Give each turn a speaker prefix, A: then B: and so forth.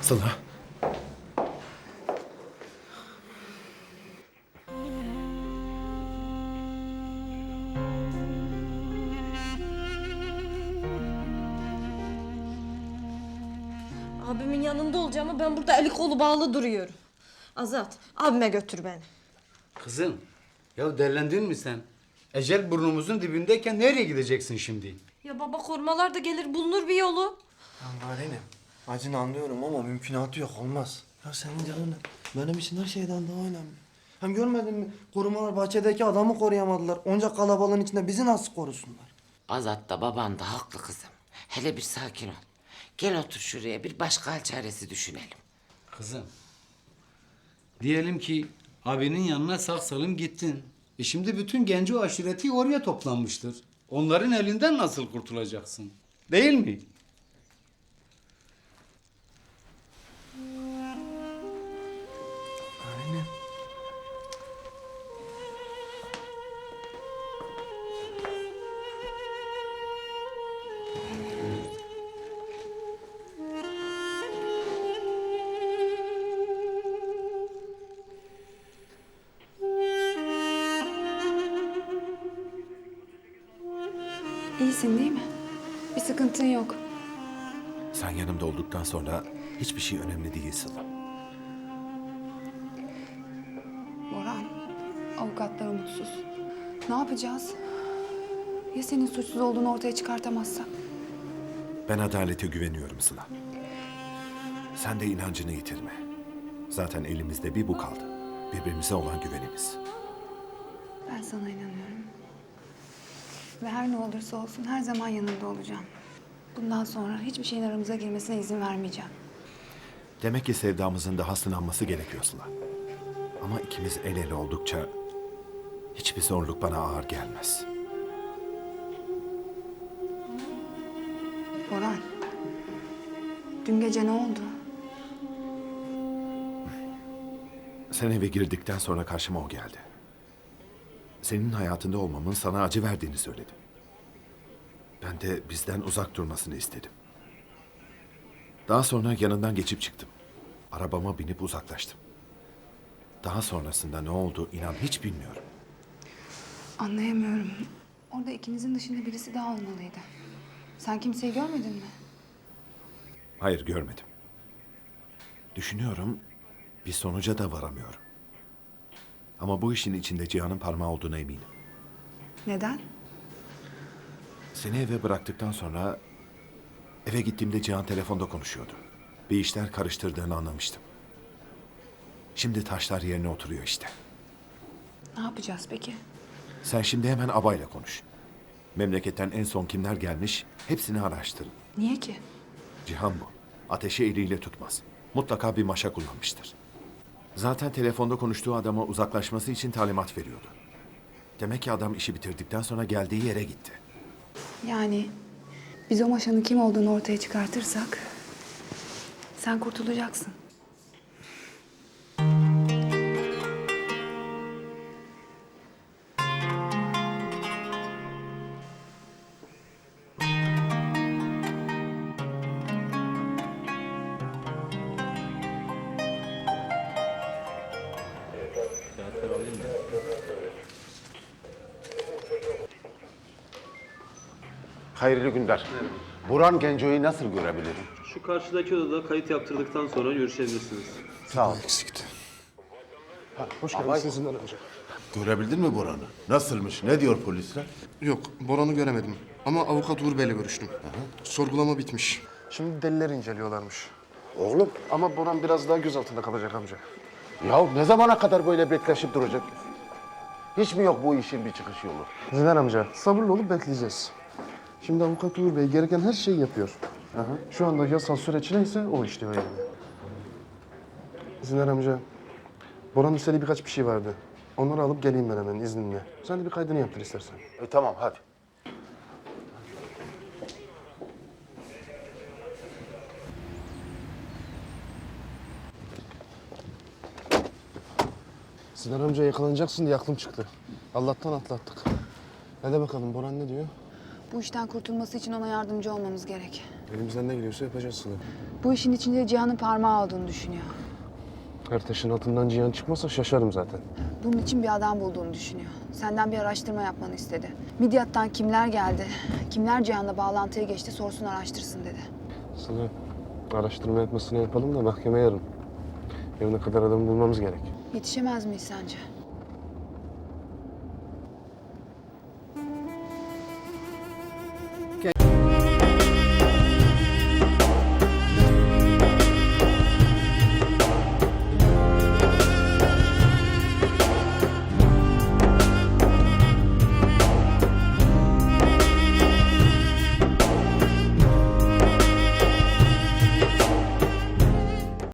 A: Sıla.
B: Abimin yanında olacağım ama ben burada eli kolu bağlı duruyorum. Azat, abime götür beni.
C: Kızım, ya derlendin mi sen? Ecel burnumuzun dibindeyken nereye gideceksin şimdi?
B: Ya baba korumalar da gelir bulunur bir yolu.
A: Ya Narenim, acını anlıyorum ama mümkünatı yok, olmaz. Ya senin canın benim için her şeyden daha önemli. Hem görmedin mi? Korumalar bahçedeki adamı koruyamadılar. Onca kalabalığın içinde bizi nasıl korusunlar?
D: Azat da baban da haklı kızım. Hele bir sakin ol. Gel otur şuraya bir başka hal çaresi düşünelim.
C: Kızım, diyelim ki abinin yanına sağ salim gittin. Şimdi bütün genco aşireti oraya toplanmıştır. Onların elinden nasıl kurtulacaksın? Değil mi?
A: Narenim.
E: İyisin değil mi? Bir sıkıntın yok.
F: Sen yanımda olduktan sonra hiçbir şey önemli değil Sıla.
E: Boran, avukatlar umutsuz. Ne yapacağız? Ya senin suçsuz olduğunu ortaya çıkartamazsak?
F: Ben adalete güveniyorum Sıla. Sen de inancını yitirme. Zaten elimizde bir bu kaldı. Birbirimize olan güvenimiz.
E: Ben sana inanıyorum. Ve her ne olursa olsun her zaman yanında olacağım. Bundan sonra hiçbir şeyin aramıza girmesine izin vermeyeceğim.
F: Demek ki sevdamızın daha sınanması gerekiyor Sıla. Ama ikimiz el ele oldukça hiçbir zorluk bana ağır gelmez.
E: Boran, dün gece ne oldu?
F: Sen eve girdikten sonra karşıma o geldi. Senin hayatında olmamın sana acı verdiğini söyledi. Ben de bizden uzak durmasını istedim. Daha sonra yanından geçip çıktım. Arabama binip uzaklaştım. Daha sonrasında ne oldu inan hiç bilmiyorum.
E: Anlayamıyorum. Orada ikinizin dışında birisi daha olmalıydı. Sen kimseyi görmedin mi?
F: Hayır görmedim. Düşünüyorum bir sonuca da varamıyorum. Ama bu işin içinde Cihan'ın parmağı olduğuna eminim.
E: Neden?
F: Seni eve bıraktıktan sonra eve gittiğimde Cihan telefonda konuşuyordu. Bir işler karıştırdığını anlamıştım. Şimdi taşlar yerine oturuyor işte.
E: Ne yapacağız peki?
F: Sen şimdi hemen abayla konuş. Memleketten en son kimler gelmiş hepsini araştırın.
E: Niye ki?
F: Cihan bu. Ateşi eliyle tutmaz. Mutlaka bir maşa kullanmıştır. Zaten telefonda konuştuğu adama uzaklaşması için talimat veriyordu. Demek ki adam işi bitirdikten sonra geldiği yere gitti.
E: Yani biz o maşanın kim olduğunu ortaya çıkartırsak sen kurtulacaksın.
G: Hayırlı günler. Burhan Genco'yu nasıl görebilirim?
H: Şu karşıdaki odada kayıt yaptırdıktan sonra görüşebilirsiniz.
G: Sağ ol.
A: Eksikti.
I: Hoş geldiniz Zindan Amca.
G: Görebildin mi Burhan'ı? Nasılmış? Ne diyor polisler?
I: Yok, Boran'ı göremedim. Ama avukat Uğur Bey'le görüştüm. Sorgulama bitmiş. Şimdi deliller inceliyorlarmış.
G: Oğlum.
I: Ama Boran biraz daha gözaltında kalacak amca.
G: Ya ne zamana kadar böyle bekleşip duracak? Hiç mi yok bu işin bir çıkış yolu?
I: Zindan amca, sabırlı olup bekleyeceğiz. Şimdi avukat Uğur Bey gereken her şeyi yapıyor. Şu anda yasal süreç neyse o işliyor yani. Zindan amca, Boran'ın istediği birkaç bir şey vardı. Onları alıp geleyim ben hemen izninle. Sen de bir kaydını yaptır istersen.
G: Tamam hadi.
I: Zindan amca yakalanacaksın diye aklım çıktı. Allah'tan atlattık. Hadi bakalım Boran ne diyor?
E: Bu işten kurtulması için ona yardımcı olmamız gerek.
I: Elimizden ne geliyorsa yapacağız Sıla.
E: Bu işin içinde Cihan'ın parmağı olduğunu düşünüyor.
I: Her taşın altından Cihan çıkmazsa şaşarım zaten.
E: Bunun için bir adam bulduğunu düşünüyor. Senden bir araştırma yapmanı istedi. Midyat'tan kimler geldi, kimler Cihan'la bağlantıya geçti sorsun araştırsın dedi.
I: Sıla, araştırma yapmasını yapalım da mahkeme yarın. Yarına kadar adamı bulmamız gerek.
E: Yetişemez miyiz sence?